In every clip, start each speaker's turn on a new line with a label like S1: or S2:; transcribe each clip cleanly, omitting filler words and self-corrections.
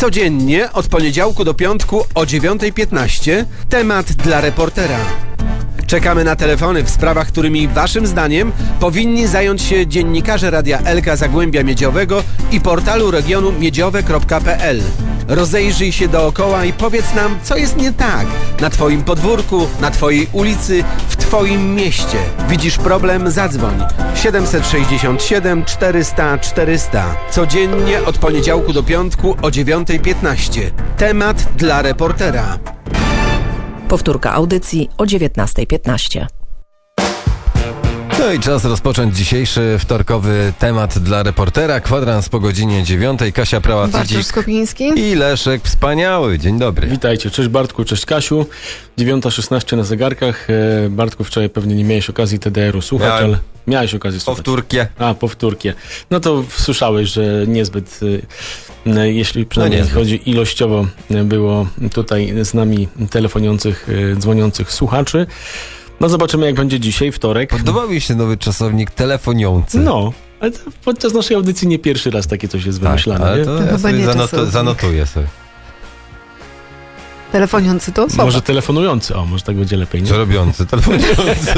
S1: Codziennie od poniedziałku do piątku o 9:15 temat dla reportera. Czekamy na telefony w sprawach, którymi waszym zdaniem powinni zająć się dziennikarze Radia Elka Zagłębia Miedziowego i portalu regionu miedziowe.pl. Rozejrzyj się dookoła i powiedz nam, co jest nie tak na twoim podwórku, na twojej ulicy, w twoim mieście. Widzisz problem? Zadzwoń. 767 400 400. Codziennie od poniedziałku do piątku o 9:15. Temat dla reportera.
S2: Powtórka audycji o 19:15.
S3: No i czas rozpocząć dzisiejszy wtorkowy temat dla reportera. Kwadrans po godzinie 9:00. Kasia
S4: Bartosz
S3: Prała-Cydzik
S4: Skopiński
S3: i Leszek Wspaniały. Dzień dobry.
S5: Witajcie, cześć Bartku, cześć Kasiu. 9:16 na zegarkach. Bartku, wczoraj pewnie nie miałeś okazji TDR-u słuchać,
S3: Miałem.
S5: ale miałeś okazję słuchać.
S3: Powtórkie.
S5: Powtórkie. No to słyszałeś, że niezbyt, jeśli przynajmniej
S3: niezbyt.
S5: chodzi ilościowo, było tutaj z nami telefonujących, dzwoniących słuchaczy. No zobaczymy, jak będzie dzisiaj, wtorek.
S3: Podobał mi się nowy czasownik telefoniący.
S5: No, ale to podczas naszej audycji nie pierwszy raz takie coś jest wymyślane,
S3: ale
S5: nie?
S3: to
S4: To
S3: ja
S4: chyba
S3: sobie
S4: nie czasownik.
S3: zanotuję sobie.
S4: telefoniący to osoba.
S5: Może telefonujący, może tak będzie lepiej, nie?
S3: Co robiący? Telefoniący.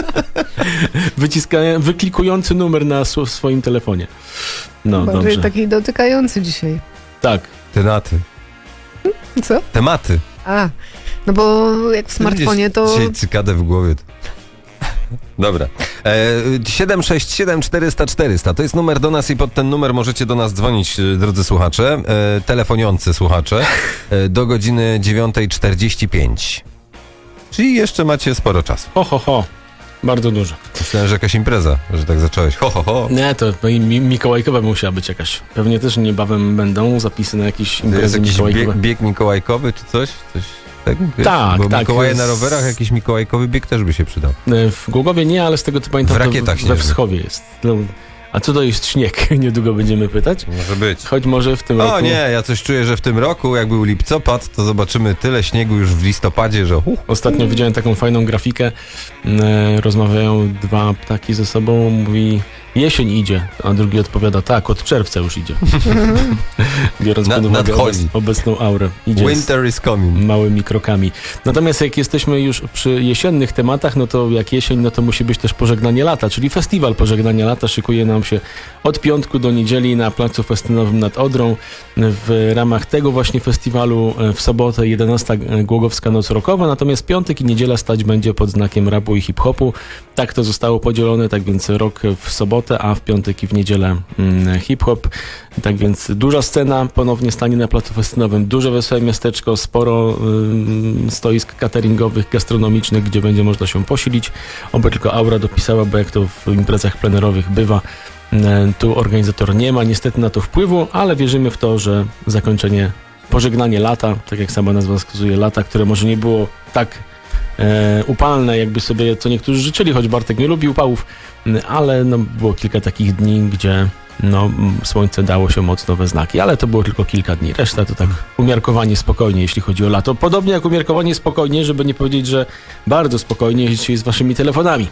S5: Wyklikujący numer na swoim telefonie. No,
S4: Bardziej
S5: dobrze.
S4: taki dotykający dzisiaj.
S5: Tak.
S3: Tematy.
S4: Co?
S3: Tematy.
S4: No bo jak w smartfonie to...
S3: Dzisiaj cykadę w głowie. Dobra. 767 400 400 to jest numer do nas i pod ten numer możecie do nas dzwonić, drodzy słuchacze, telefoniący słuchacze, do godziny 9:45. Czyli jeszcze macie sporo czasu.
S5: Ho. Bardzo dużo.
S3: Myślałem, że jakaś impreza, że tak zacząłeś. Ho.
S5: Nie, to mikołajkowa musiała być jakaś. Pewnie też niebawem będą zapisy na jakieś
S3: To jest
S5: imprezy
S3: jakiś
S5: mikołajkowe.
S3: bieg mikołajkowy czy coś? Tak, wiesz?
S5: Tak,
S3: Bo
S5: tak.
S3: Mikołaje na rowerach, jakiś mikołajkowy bieg też by się przydał.
S5: W Głogowie nie, ale z tego co pamiętam,
S3: W Rakietach
S5: to we
S3: śnieżnych.
S5: Wschowie jest. No, a co to jest śnieg? Niedługo będziemy pytać.
S3: Może być.
S5: Choć może w tym roku...
S3: O nie, ja coś czuję, że w tym roku, jak był lipcopad, to zobaczymy tyle śniegu już w listopadzie, że...
S5: Ostatnio widziałem taką fajną grafikę. Rozmawiają dwa ptaki ze sobą, mówi jesień idzie, a drugi odpowiada tak, od czerwca już idzie. Biorąc pod uwagę
S3: nadchodzi.
S5: obecną aurę. Idzie
S3: Winter is coming.
S5: małymi krokami. Natomiast jak jesteśmy już przy jesiennych tematach, no to jak jesień, no to musi być też pożegnanie lata, czyli festiwal pożegnania lata szykuje nam się od piątku do niedzieli na placu festynowym nad Odrą. W ramach tego właśnie festiwalu w sobotę 11 Głogowska Noc Rockowa, natomiast piątek i niedziela stać będzie pod znakiem rapu i hip-hopu. Tak to zostało podzielone, tak więc rok w sobotę, a w piątek i w niedzielę hip-hop. Tak więc duża scena ponownie stanie na placu festynowym, duże wesołe miasteczko, sporo stoisk cateringowych, gastronomicznych, gdzie będzie można się posilić. Oby tylko aura dopisała, bo jak to w imprezach plenerowych bywa, tu organizator nie ma niestety na to wpływu, ale wierzymy w to, że zakończenie, pożegnanie lata, tak jak sama nazwa wskazuje, lata, które może nie było tak upalne, jakby sobie co niektórzy życzyli, choć Bartek nie lubi upałów, ale no, było kilka takich dni, gdzie słońce dało się mocno we znaki, ale to było tylko kilka dni. Reszta to tak umiarkowanie spokojnie, jeśli chodzi o lato. Podobnie jak umiarkowanie spokojnie, żeby nie powiedzieć, że bardzo spokojnie jest dzisiaj z waszymi telefonami.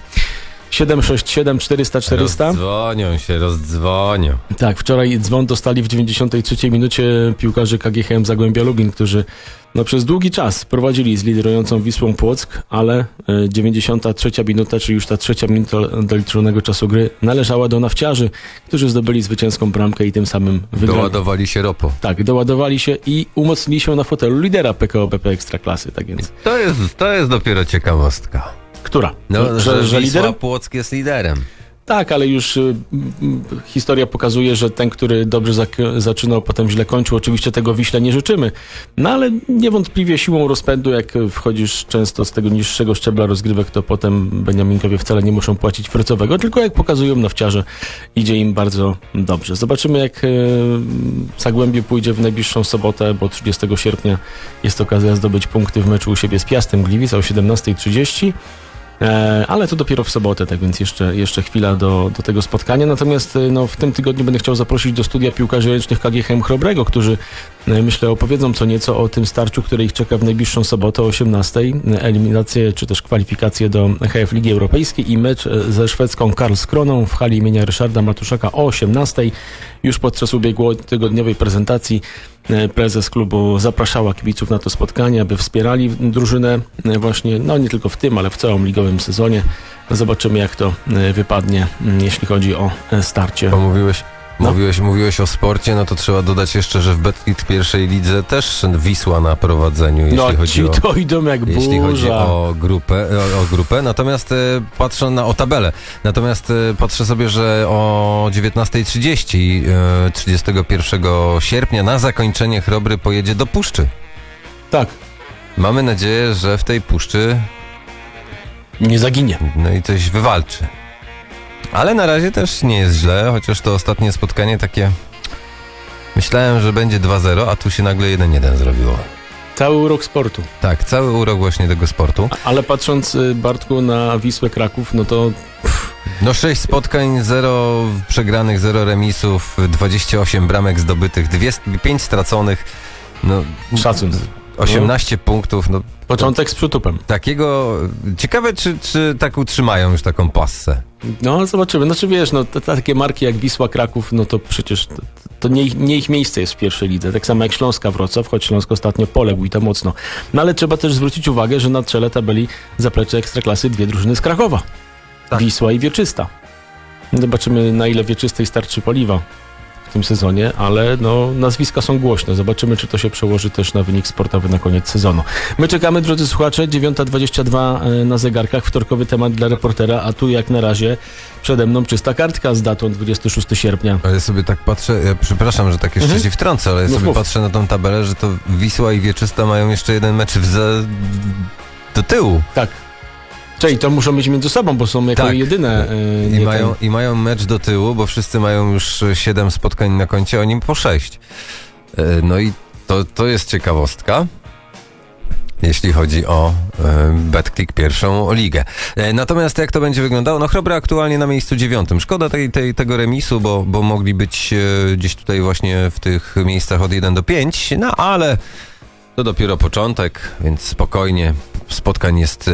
S5: 767 400 400.
S3: Rozdzwonią.
S5: Tak, wczoraj dzwon dostali w 93 minucie piłkarze KGHM Zagłębia Lubin, którzy przez długi czas prowadzili z liderującą Wisłą Płock, ale 93 minuta, czyli już ta trzecia minuta doliczonego czasu gry, należała do nawciarzy, którzy zdobyli zwycięską bramkę i tym samym wygrali.
S3: Doładowali się ropo.
S5: Tak, doładowali się i umocnili się na fotelu lidera PKO BP Ekstraklasy, tak więc.
S3: To jest dopiero ciekawostka.
S5: Która?
S3: Że
S5: Że
S3: Wisła
S5: lider?
S3: Płock jest liderem.
S5: Tak, ale już historia pokazuje, że ten, który dobrze zaczynał, potem źle kończył. Oczywiście tego Wiśle nie życzymy, no ale niewątpliwie siłą rozpędu, jak wchodzisz często z tego niższego szczebla rozgrywek, to potem Beniaminkowie wcale nie muszą płacić frycowego, tylko jak pokazują nawciarze, idzie im bardzo dobrze. Zobaczymy, jak Zagłębie pójdzie w najbliższą sobotę, bo 30 sierpnia jest okazja zdobyć punkty w meczu u siebie z Piastem Gliwice o 17:30. Ale to dopiero w sobotę, tak więc jeszcze chwila do tego spotkania. Natomiast w tym tygodniu będę chciał zaprosić do studia piłkarzy ręcznych KGHM Chrobrego, którzy myślę opowiedzą co nieco o tym starciu, które ich czeka w najbliższą sobotę o 18:00. Eliminację czy też kwalifikacje do HF Ligi Europejskiej i mecz ze szwedzką Karlskroną w hali imienia Ryszarda Matuszaka o 18:00. Już podczas ubiegłotygodniowej prezentacji prezes klubu zapraszała kibiców na to spotkanie, aby wspierali drużynę właśnie, no nie tylko w tym, ale w całym ligowym sezonie. Zobaczymy, jak to wypadnie, jeśli chodzi o starcie.
S3: Bo
S5: No.
S3: mówiłeś o sporcie, no to trzeba dodać jeszcze, że w Betclic pierwszej lidze też Wisła na prowadzeniu, jeśli chodzi o...
S5: to idą jak burza.
S3: Jeśli chodzi o grupę, natomiast patrzę o tabelę. Natomiast patrzę sobie, że o 19:30 31 sierpnia na zakończenie Chrobry pojedzie do Puszczy.
S5: Tak,
S3: Mamy nadzieję, że w tej Puszczy
S5: nie zaginie.
S3: no i coś wywalczy. Ale na razie też nie jest źle, chociaż to ostatnie spotkanie takie... Myślałem, że będzie 2-0, a tu się nagle 1-1 zrobiło.
S5: Cały urok sportu.
S3: Tak, cały urok właśnie tego sportu.
S5: Ale patrząc, Bartku, na Wisłę Kraków, no to...
S3: No 6 spotkań, 0 przegranych, 0 remisów, 28 bramek zdobytych, 5 straconych, no
S5: Szacun.
S3: 18 punktów, no
S5: Początek z przytupem.
S3: takiego... Ciekawe, czy tak utrzymają już taką passę.
S5: No, zobaczymy. Znaczy, wiesz, no, takie marki jak Wisła Kraków, no to przecież to nie ich miejsce jest w pierwszej lidze. Tak samo jak Śląska Wrocław, choć Śląsk ostatnio poległ i to mocno. No, ale trzeba też zwrócić uwagę, że na czele tabeli zaplecze Ekstraklasy dwie drużyny z Krakowa.
S3: Tak.
S5: Wisła i Wieczysta. Zobaczymy, na ile Wieczystej starczy paliwa w tym sezonie, ale no, nazwiska są głośne. Zobaczymy, czy to się przełoży też na wynik sportowy na koniec sezonu. My czekamy, drodzy słuchacze, 9:22 na zegarkach, wtorkowy temat dla reportera, a tu jak na razie przede mną czysta kartka z datą 26 sierpnia.
S3: Ale sobie tak patrzę, ja przepraszam, że tak jeszcze się wtrącę, ale
S5: Mów,
S3: sobie
S5: mów.
S3: patrzę na tą tabelę, że to Wisła i Wieczysta mają jeszcze jeden mecz do tyłu.
S5: Tak. Czyli to muszą być między sobą, bo są jako
S3: Tak.
S5: jedyne.
S3: I mają mecz do tyłu, bo wszyscy mają już 7 spotkań na koncie, oni po 6. No i to jest ciekawostka, jeśli chodzi o Betclic pierwszą ligę. Natomiast jak to będzie wyglądało? No Chrobra aktualnie na miejscu 9. Szkoda tego remisu, bo mogli być gdzieś tutaj właśnie w tych miejscach od 1 do 5, no ale to dopiero początek, więc spokojnie. Spotkań jest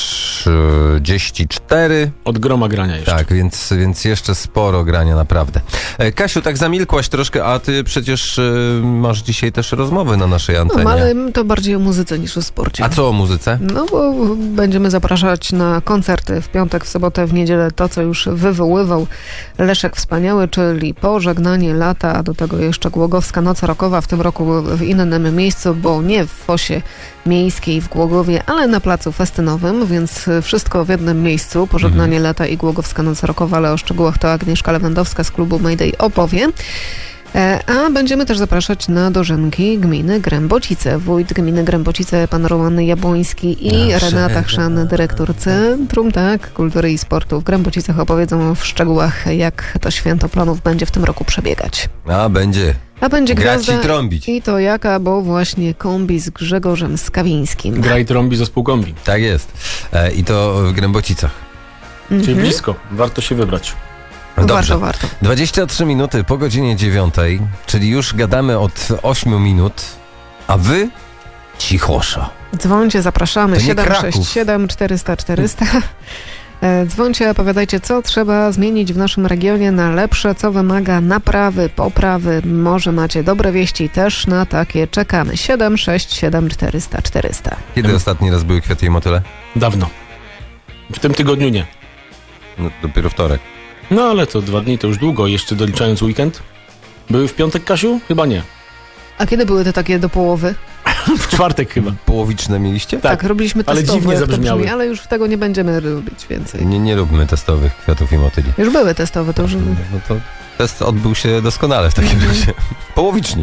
S3: 34.
S5: Od groma grania jeszcze.
S3: Tak, więc jeszcze sporo grania naprawdę. Kasiu, tak zamilkłaś troszkę, a ty przecież masz dzisiaj też rozmowy na naszej antenie.
S4: No, ale to bardziej o muzyce niż o sporcie.
S3: A co o muzyce?
S4: No bo będziemy zapraszać na koncerty w piątek, w sobotę, w niedzielę, to co już wywoływał Leszek Wspaniały, czyli Pożegnanie lata, a do tego jeszcze Głogowska Noc Rockowa, w tym roku w innym miejscu, bo nie w Fosie Miejskiej w Głogowie, ale na placu festynowym, więc wszystko w jednym miejscu. Pożegnanie lata i Głogowska Noc Rockowa, ale o szczegółach to Agnieszka Lewandowska z klubu Mayday opowie. A będziemy też zapraszać na dożynki gminy Grębocice. Wójt gminy Grębocice, pan Roman Jabłoński i Renata Chrzan, dyrektor Centrum Kultury i Sportu w Grębocicach, opowiedzą w szczegółach, jak to święto planów będzie w tym roku przebiegać.
S3: A będzie
S4: Grać
S3: grać i trąbić.
S4: I to jaka, bo właśnie kombi z Grzegorzem Skawińskim.
S5: Gra i trąbi zespół kombi.
S3: Tak jest. I to w Grębocicach.
S5: Czyli blisko. Warto się wybrać.
S3: Dobrze.
S4: Warto.
S3: 23 minuty po godzinie 9, czyli już gadamy od 8 minut, a wy cichosza.
S4: Dzwońcie, zapraszamy.
S3: To nie
S4: 767 400 400. Dzwońcie, opowiadajcie, co trzeba zmienić w naszym regionie na lepsze, co wymaga naprawy, poprawy. Może macie dobre wieści, też na takie czekamy. 767 400 400.
S3: Kiedy ostatni raz były kwiaty i motyle?
S5: Dawno. W tym tygodniu nie.
S3: No, dopiero wtorek.
S5: No ale to 2 dni to już długo, jeszcze doliczając weekend. Były w piątek, Kasiu? Chyba nie.
S4: A kiedy były te takie do połowy?
S5: W czwartek chyba.
S3: Połowiczne mieliście?
S4: Tak, robiliśmy
S5: ale
S4: testowo,
S5: dziwnie
S4: jak to
S5: zabrzmiały.
S4: brzmi, ale już tego nie będziemy robić więcej.
S3: Nie róbmy testowych kwiatów i motyli.
S4: Już były testowe, to już...
S3: No to test odbył się doskonale w takim razie. Połowiczni.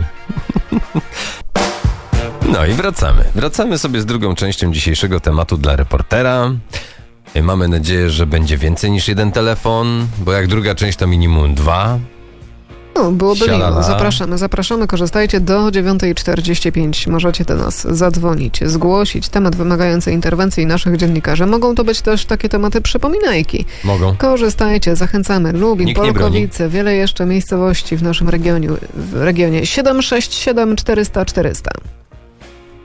S3: No i wracamy. Wracamy sobie z drugą częścią dzisiejszego tematu dla reportera. Mamy nadzieję, że będzie więcej niż jeden telefon, bo jak druga część to minimum 2.
S4: No, byłoby
S3: Sialala.
S4: miło. Zapraszamy, korzystajcie do 9:45. Możecie do nas zadzwonić, zgłosić temat wymagający interwencji naszych dziennikarzy. Mogą to być też takie tematy przypominajki.
S3: Mogą.
S4: Korzystajcie, zachęcamy. Lubin,
S3: Nikt nie
S4: Polkowice, wiele jeszcze miejscowości w naszym regionie. 767 400 400.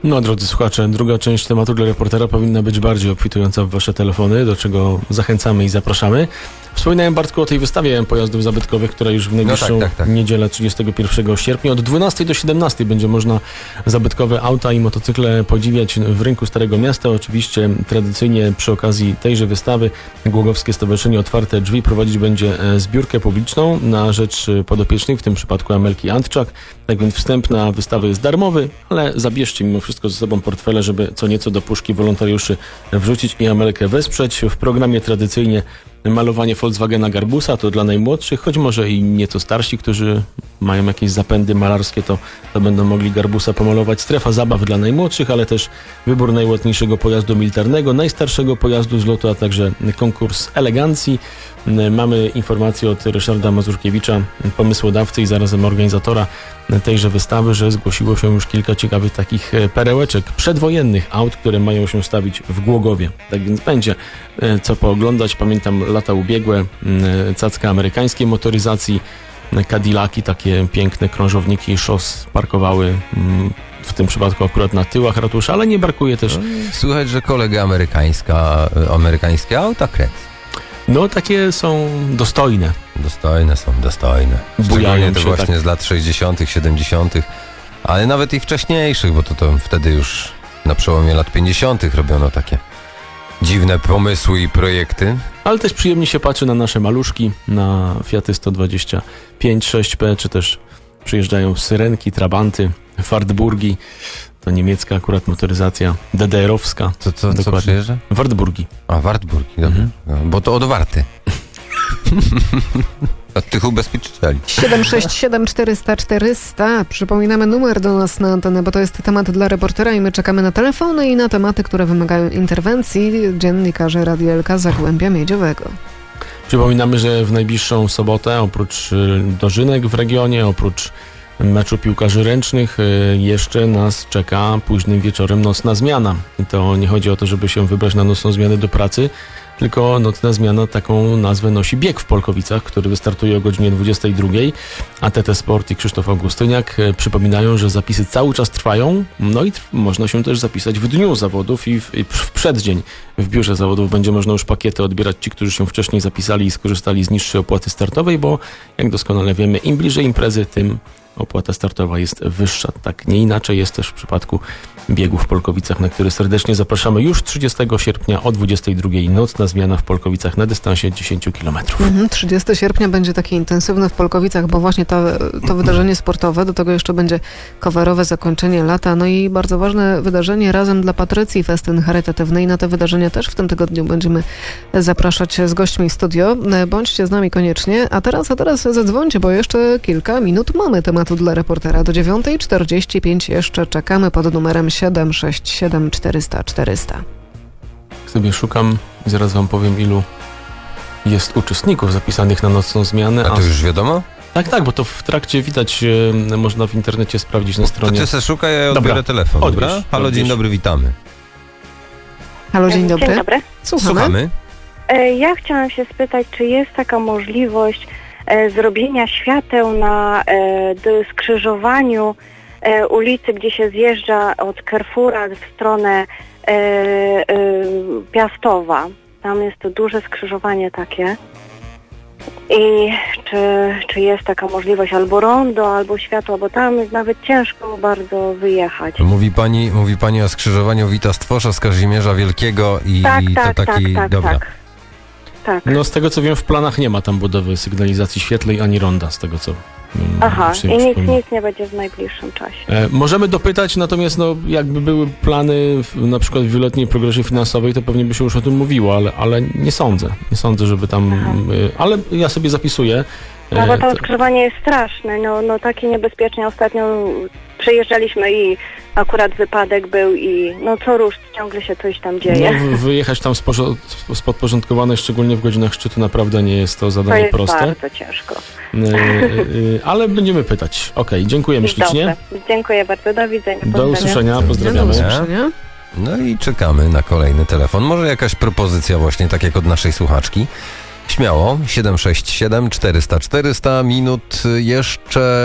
S5: No, drodzy słuchacze, druga część tematu dla reportera powinna być bardziej obfitująca w wasze telefony, do czego zachęcamy i zapraszamy. Wspominałem, Bartku, o tej wystawie pojazdów zabytkowych, która już w najbliższą niedzielę 31 sierpnia od 12 do 17 będzie można zabytkowe auta i motocykle podziwiać w Rynku Starego Miasta. Oczywiście tradycyjnie przy okazji tejże wystawy Głogowskie Stowarzyszenie Otwarte Drzwi prowadzić będzie zbiórkę publiczną na rzecz podopiecznej, w tym przypadku Amelki Antczak. Tak więc wstęp na wystawę jest darmowy, ale zabierzcie mimo wszystko ze sobą portfele, żeby co nieco do puszki wolontariuszy wrzucić i Amelkę wesprzeć. W programie tradycyjnie malowanie Volkswagena Garbusa to dla najmłodszych, choć może i nieco starsi, którzy mają jakieś zapędy malarskie, to będą mogli Garbusa pomalować. Strefa zabaw dla najmłodszych, ale też wybór najładniejszego pojazdu militarnego, najstarszego pojazdu z lotu, a także konkurs elegancji. Mamy informację od Ryszarda Mazurkiewicza, pomysłodawcy i zarazem organizatora tejże wystawy, że zgłosiło się już kilka ciekawych takich perełeczek przedwojennych aut, które mają się stawić w Głogowie. Tak więc będzie co pooglądać. Pamiętam lata ubiegłe, cacka amerykańskiej motoryzacji, Cadillaki, takie piękne krążowniki szos parkowały w tym przypadku akurat na tyłach ratusza, ale nie brakuje też...
S3: Słychać, że kolega amerykańskie auta kręci.
S5: No, takie są dostojne.
S3: Dostojne. Szczególnie te właśnie tak z lat 60., 70., ale nawet i wcześniejszych, bo to wtedy już na przełomie lat 50. robiono takie dziwne pomysły i projekty.
S5: Ale też przyjemnie się patrzy na nasze maluszki, na Fiaty 125 6P, czy też przyjeżdżają Syrenki, Trabanty, Wartburgi. To niemiecka akurat motoryzacja, DDR-owska.
S3: Co przyjeżdża?
S5: Wartburgi.
S3: A, Wartburgi, dobra. Bo to od warty. Od tych ubezpieczycieli.
S4: 767 400 400. Przypominamy numer do nas na antenę, bo to jest temat dla reportera i my czekamy na telefony i na tematy, które wymagają interwencji dziennikarzy Radia LK Zagłębia Miedziowego.
S5: Przypominamy, że w najbliższą sobotę oprócz dożynek w regionie, oprócz meczu piłkarzy ręcznych jeszcze nas czeka późnym wieczorem nocna zmiana. I to nie chodzi o to, żeby się wybrać na nocną zmianę do pracy, tylko nocna zmiana taką nazwę nosi bieg w Polkowicach, który wystartuje o godzinie 22, a TT Sport i Krzysztof Augustyniak przypominają, że zapisy cały czas trwają, no i można się też zapisać w dniu zawodów i w przeddzień. W biurze zawodów będzie można już pakiety odbierać ci, którzy się wcześniej zapisali i skorzystali z niższej opłaty startowej, bo jak doskonale wiemy, im bliżej imprezy, tym opłata startowa jest wyższa. Tak nie inaczej jest też w przypadku biegu w Polkowicach, na który serdecznie zapraszamy już 30 sierpnia o 22. Nocna zmiana w Polkowicach na dystansie 10 km.
S4: 30 sierpnia będzie taki intensywny w Polkowicach, bo właśnie to wydarzenie sportowe, do tego jeszcze będzie coverowe zakończenie lata, no i bardzo ważne wydarzenie Razem dla Patrycji, festyn charytatywny i na te wydarzenia też w tym tygodniu będziemy zapraszać z gośćmi w studio. Bądźcie z nami koniecznie, a teraz zadzwońcie, bo jeszcze kilka minut mamy tematu dla reportera. Do 9:45 jeszcze czekamy pod numerem 767 400 400.
S5: Sobie szukam i zaraz wam powiem, ilu jest uczestników zapisanych na nocną zmianę.
S3: A to już wiadomo?
S5: Tak, bo to w trakcie widać, można w internecie sprawdzić na stronie.
S3: To ty se szukaj, ja odbiorę telefon, dobra? Halo, dzień dobry, witamy.
S4: Halo, dzień dobry.
S6: Dzień dobry.
S3: Słuchamy.
S6: Ja chciałam się spytać, czy jest taka możliwość zrobienia świateł na skrzyżowaniu ulicy, gdzie się zjeżdża od Carrefoura w stronę Piastowa. Tam jest to duże skrzyżowanie takie. I czy jest taka możliwość albo rondo, albo światło, bo tam jest nawet ciężko bardzo wyjechać.
S3: Mówi pani o skrzyżowaniu Wita Stwosza z Kazimierza Wielkiego i to taki... Dobra.
S6: Tak.
S5: No z tego co wiem, w planach nie ma tam budowy sygnalizacji świetlnej ani ronda, z tego co...
S6: Aha, i nic nie będzie w najbliższym czasie.
S5: Możemy dopytać, natomiast jakby były plany na przykład w wieloletniej progresie finansowej, to pewnie by się już o tym mówiło, ale nie sądzę. Nie sądzę, żeby tam... ale ja sobie zapisuję.
S6: No bo to skrzyżowanie jest straszne, no takie niebezpieczne. Ostatnio przejeżdżaliśmy i akurat wypadek był i co rusz ciągle się coś tam dzieje.
S5: No, wyjechać tam z podporządkowanej, szczególnie w godzinach szczytu, naprawdę nie jest to zadanie proste.
S6: To jest bardzo ciężko.
S5: Ale będziemy pytać. Okej, dziękujemy ślicznie.
S6: Dobrze. Dziękuję bardzo, do widzenia.
S5: Do usłyszenia, pozdrawiamy.
S4: Do usłyszenia.
S3: No i czekamy na kolejny telefon. Może jakaś propozycja właśnie, tak jak od naszej słuchaczki. Śmiało, 767 400 400, minut jeszcze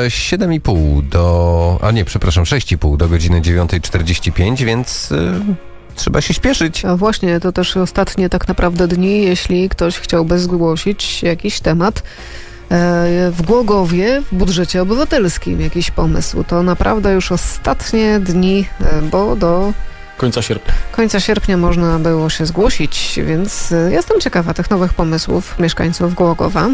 S3: 6,5 do godziny 9:45, więc trzeba się śpieszyć.
S4: A właśnie, to też ostatnie tak naprawdę dni, jeśli ktoś chciałby zgłosić jakiś temat w Głogowie, w budżecie obywatelskim, jakiś pomysł. To naprawdę już ostatnie dni, bo do
S5: Końca
S4: sierpnia można było się zgłosić, więc jestem ciekawa tych nowych pomysłów mieszkańców Głogowa.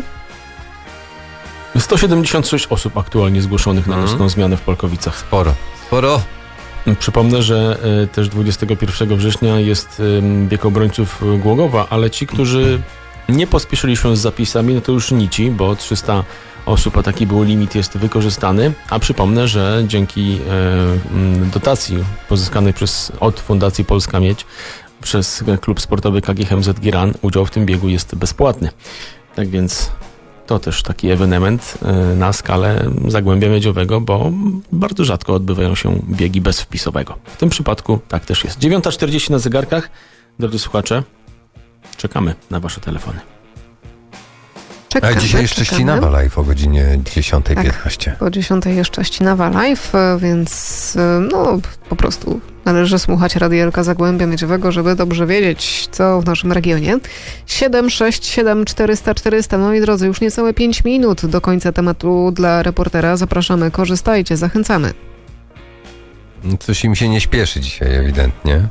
S5: 176 osób aktualnie zgłoszonych na nocną zmianę w Polkowicach.
S3: Sporo.
S5: Przypomnę, że też 21 września jest bieg obrońców Głogowa, ale ci, którzy nie pospieszyli się z zapisami, no to już nici, bo 300 osób, a taki był limit, jest wykorzystany. A przypomnę, że dzięki dotacji pozyskanej od Fundacji Polska Miedź przez klub sportowy KGHM Giran udział w tym biegu jest bezpłatny. Tak więc to też taki ewenement na skalę Zagłębia Miedziowego, bo bardzo rzadko odbywają się biegi bez wpisowego. W tym przypadku tak też jest. 9:40 na zegarkach. Drodzy słuchacze, czekamy na wasze telefony.
S3: A dzisiaj jeszcze Ścinawa Live o godzinie 10:15.
S4: Tak, po 10 jeszcze Ścinawa Live, więc no po prostu należy słuchać Radielka Zagłębia Miedziowego, żeby dobrze wiedzieć, co w naszym regionie. 767 400 400. Moi drodzy, już niecałe 5 minut do końca tematu dla reportera. Zapraszamy, korzystajcie, zachęcamy.
S3: Coś im się nie śpieszy dzisiaj ewidentnie.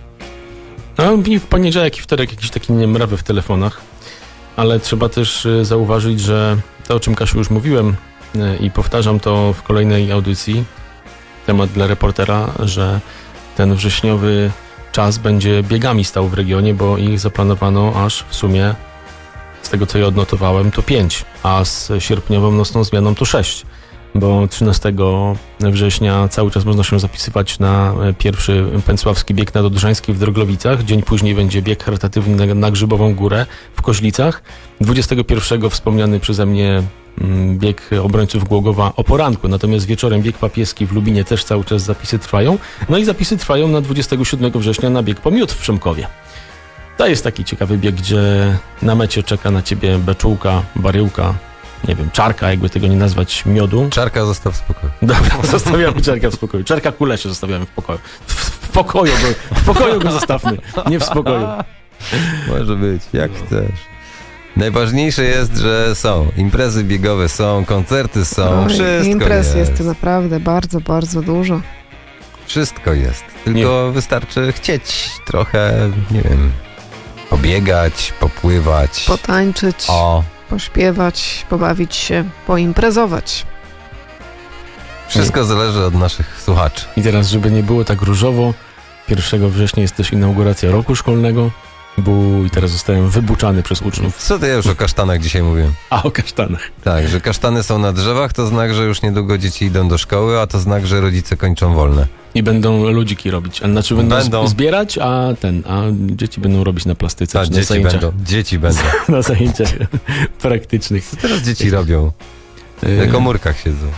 S5: No i w poniedziałek i wtorek jakiś taki niemrawy w telefonach. Ale trzeba też zauważyć, że to, o czym, Kasiu, już mówiłem i powtarzam to w kolejnej audycji, temat dla reportera, że ten wrześniowy czas będzie biegami stał w regionie, bo ich zaplanowano aż w sumie, z tego co ja odnotowałem, to 5, a z sierpniową nocną zmianą to 6. Bo 13 września cały czas można się zapisywać na pierwszy Pęcławski bieg nadodrzański w Droglowicach. Dzień później będzie bieg charytatywny na Grzybową Górę w Koźlicach. 21 wspomniany przeze mnie bieg obrońców Głogowa o poranku, natomiast wieczorem bieg papieski w Lubinie też cały czas zapisy trwają. No i zapisy trwają na 27 września na bieg po miód w Przemkowie. To jest taki ciekawy bieg, gdzie na mecie czeka na ciebie beczułka, baryłka, nie wiem, czarka, jakby tego nie nazwać, miodu.
S3: Czarka zostaw w spokoju.
S5: Dobra, zostawiamy czarka w spokoju. Czarka kulesie zostawiamy w pokoju. W pokoju go zostawmy, nie w spokoju.
S3: Może być, jak chcesz. Najważniejsze jest, że są. Imprezy biegowe są, koncerty są, wszystko
S4: imprez
S3: jest.
S4: naprawdę bardzo, bardzo dużo.
S3: Wszystko jest. Tylko wystarczy chcieć trochę, nie wiem, pobiegać, popływać.
S4: Potańczyć. Pośpiewać, pobawić się, poimprezować.
S3: Wszystko zależy od naszych słuchaczy.
S5: I teraz, żeby nie było tak różowo, 1 września jest też inauguracja roku szkolnego. I teraz zostałem wybuczany przez uczniów.
S3: Co to ja już o kasztanach dzisiaj mówię?
S5: A o kasztanach.
S3: Tak, że kasztany są na drzewach, to znak, że już niedługo dzieci idą do szkoły, a to znak, że rodzice kończą wolne.
S5: I będą ludziki robić. Znaczy będą zbierać, a dzieci będą robić na plastyce.
S3: Tak,
S5: na zajęciach.
S3: Dzieci będą.
S5: Na zajęciach praktycznych.
S3: Co teraz dzieci robią? Na komórkach siedzą.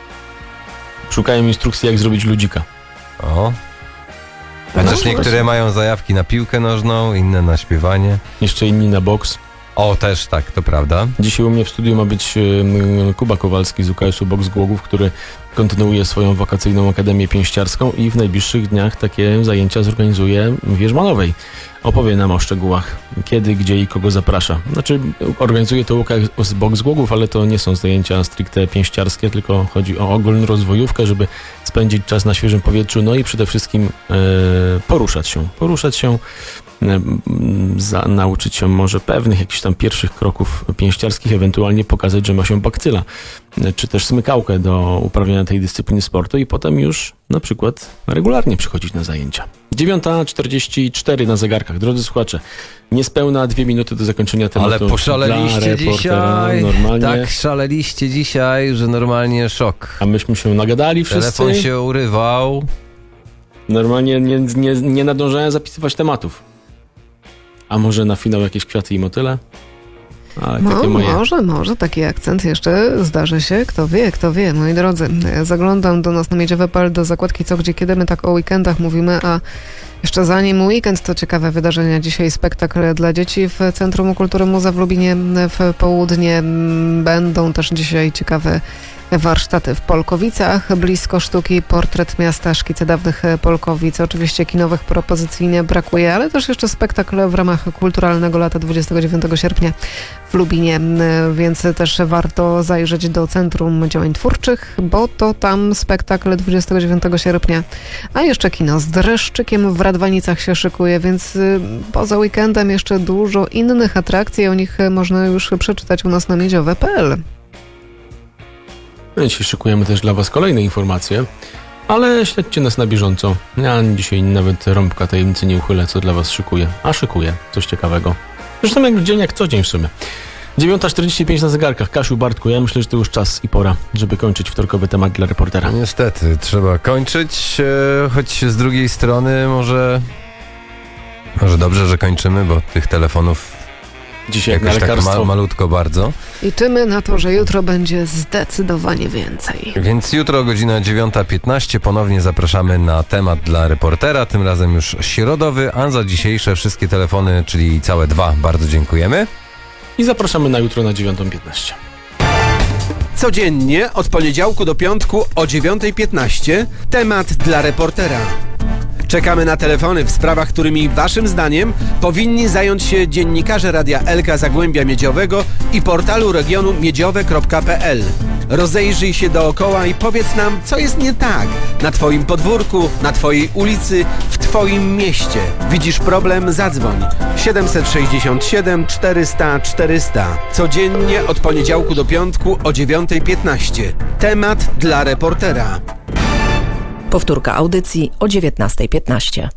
S5: Szukają instrukcji, jak zrobić ludzika.
S3: Chociaż niektóre mają zajawki na piłkę nożną, inne na śpiewanie.
S5: Jeszcze inni na boks.
S3: Też tak, to prawda.
S5: Dzisiaj u mnie w studiu ma być Kuba Kowalski z UKS-u Boks Głogów, który kontynuuje swoją wakacyjną akademię pięściarską i w najbliższych dniach takie zajęcia zorganizuje w Wierzmanowej. Opowie nam o szczegółach, kiedy, gdzie i kogo zaprasza. Znaczy, organizuje to UKS Boks Głogów, ale to nie są zajęcia stricte pięściarskie, tylko chodzi o ogólnorozwojówkę, żeby spędzić czas na świeżym powietrzu, no i przede wszystkim poruszać się, nauczyć się może pewnych jakichś tam pierwszych kroków pięściarskich, ewentualnie pokazać, że ma się bakcyla, czy też smykałkę do uprawiania tej dyscypliny sportu i potem już na przykład regularnie przychodzić na zajęcia. 9:44 na zegarkach. Drodzy słuchacze, niespełna 2 minuty do zakończenia tematu.
S3: Ale poszaleliście dzisiaj.
S5: Normalnie.
S3: Tak szaleliście dzisiaj, że normalnie szok.
S5: A myśmy się nagadali wszyscy.
S3: Telefon się urywał.
S5: Normalnie nie nadążałem zapisywać tematów. A może na finał jakieś kwiaty i motyle? Ale
S4: No,
S5: takie moje...
S4: może taki akcent jeszcze zdarzy się. Kto wie, moi drodzy. Zaglądam do nas na miedziowe.pl do zakładki Co, Gdzie, Kiedy. My tak o weekendach mówimy, a jeszcze zanim weekend, to ciekawe wydarzenia. Dzisiaj spektakl dla dzieci w Centrum Kultury Muza w Lubinie w południe. Będą też dzisiaj ciekawe warsztaty w Polkowicach, blisko sztuki, portret miasta, szkice dawnych Polkowic. Oczywiście kinowych propozycji nie brakuje, ale też jeszcze spektakl w ramach Kulturalnego Lata 29 sierpnia w Lubinie, więc też warto zajrzeć do Centrum Działań Twórczych, bo to tam spektakl 29 sierpnia. A jeszcze kino z Dreszczykiem w Radwanicach się szykuje, więc poza weekendem jeszcze dużo innych atrakcji, o nich można już przeczytać u nas na miedziowe.pl.
S5: Dzisiaj szykujemy też dla Was kolejne informacje, ale śledźcie nas na bieżąco. Ja dzisiaj nawet rąbka tajemnicy nie uchylę, co dla Was szykuję. A szykuję coś ciekawego. Zresztą jak dzień, jak co dzień w sumie. 9:45 na zegarkach. Kasiu, Bartku, ja myślę, że to już czas i pora, żeby kończyć wtorkowy temat dla reportera.
S3: Niestety, trzeba kończyć, choć z drugiej strony może dobrze, że kończymy, bo tych telefonów
S5: Dzisiaj jak na
S3: jakoś tak
S5: lekarstwo.
S3: malutko bardzo.
S4: Liczymy na to, że jutro będzie zdecydowanie więcej.
S3: Więc jutro godzina 9:15 ponownie zapraszamy na temat dla reportera, tym razem już środowy, a za dzisiejsze wszystkie telefony, czyli całe 2, bardzo dziękujemy.
S5: I zapraszamy na jutro na 9:15.
S1: Codziennie od poniedziałku do piątku o 9:15 temat dla reportera. Czekamy na telefony w sprawach, którymi waszym zdaniem powinni zająć się dziennikarze Radia Elka Zagłębia Miedziowego i portalu regionu miedziowe.pl. Rozejrzyj się dookoła i powiedz nam, co jest nie tak na twoim podwórku, na twojej ulicy, w twoim mieście. Widzisz problem? Zadzwoń. 767 400 400. Codziennie od poniedziałku do piątku o 9:15. Temat dla reportera.
S2: Powtórka audycji o 19:15.